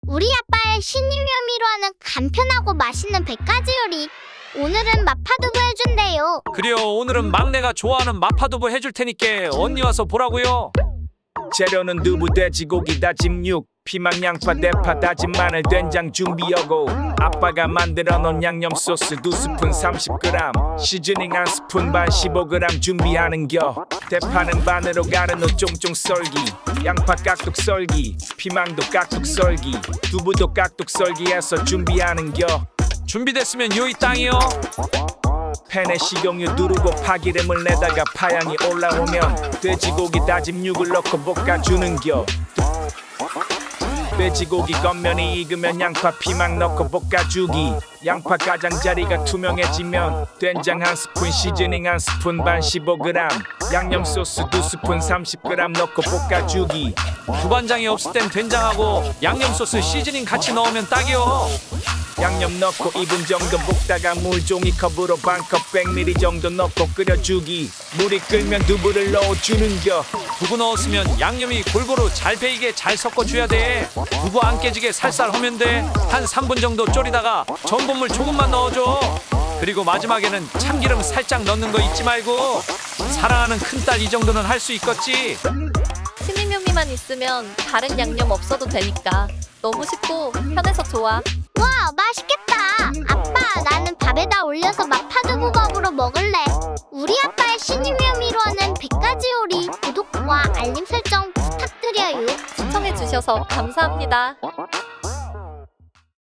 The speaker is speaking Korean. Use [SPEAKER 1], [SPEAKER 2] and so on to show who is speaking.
[SPEAKER 1] 우리 아빠의 신일요리로 하는 간편하고 맛있는 100가지 요리. 오늘은 마파두부 해준대요.
[SPEAKER 2] 그래요. 오늘은 막내가 좋아하는 마파두부 해줄 테니까 언니 와서 보라고요.
[SPEAKER 3] 재료는 두부, 돼지고기, 다진 육, 피망, 양파, 대파, 다진 마늘, 된장 준비하고 아빠가 만들어 놓은 양념 소스 2스푼 30g, 시즈닝 1스푼 반 15g 준비하는겨. 대파는 반으로 가른 후 쫑쫑 썰기, 양파 깍둑 썰기, 피망도 깍둑 썰기, 두부도 깍둑 썰기해서 준비하는겨.
[SPEAKER 2] 준비됐으면 요이 땅이요.
[SPEAKER 3] 팬에 식용유 두르고 파기름을 내다가 파향이 올라오면 돼지고기 다진 육을 넣고 볶아주는겨. 돼지고기 겉면이 익으면 양파 피망 넣고 볶아주기. 양파 가장자리가 투명해지면 된장 1스푼, 시즈닝 1스푼 반 15g, 양념 소스 2스푼 30g 넣고 볶아주기.
[SPEAKER 2] 두반장이 없을 땐 된장하고 양념 소스 시즈닝 같이 넣으면 딱이요.
[SPEAKER 3] 양념 넣고 2분 정도 볶다가 물 종이컵으로 반컵 100ml 정도 넣고 끓여주기. 물이 끓면 두부를 넣어주는겨.
[SPEAKER 2] 두부 넣었으면 양념이 골고루 잘 배이게 잘 섞어줘야 돼. 두부 안 깨지게 살살 하면 돼. 한 3분 정도 졸이다가 전분물 조금만 넣어줘. 그리고 마지막에는 참기름 살짝 넣는 거 잊지 말고. 사랑하는 큰딸 이 정도는 할 수 있겠지.
[SPEAKER 4] 신임요리만 있으면 다른 양념 없어도 되니까 너무 쉽고 편해서 좋아.
[SPEAKER 1] 와, 맛있겠다. 아빠, 나는 밥에다 올려서 마파두부밥으로 먹을래. 우리 아빠의 신일요리로 하는 100가지 요리. 구독과 알림 설정 부탁드려요.
[SPEAKER 4] 시청해주셔서 감사합니다.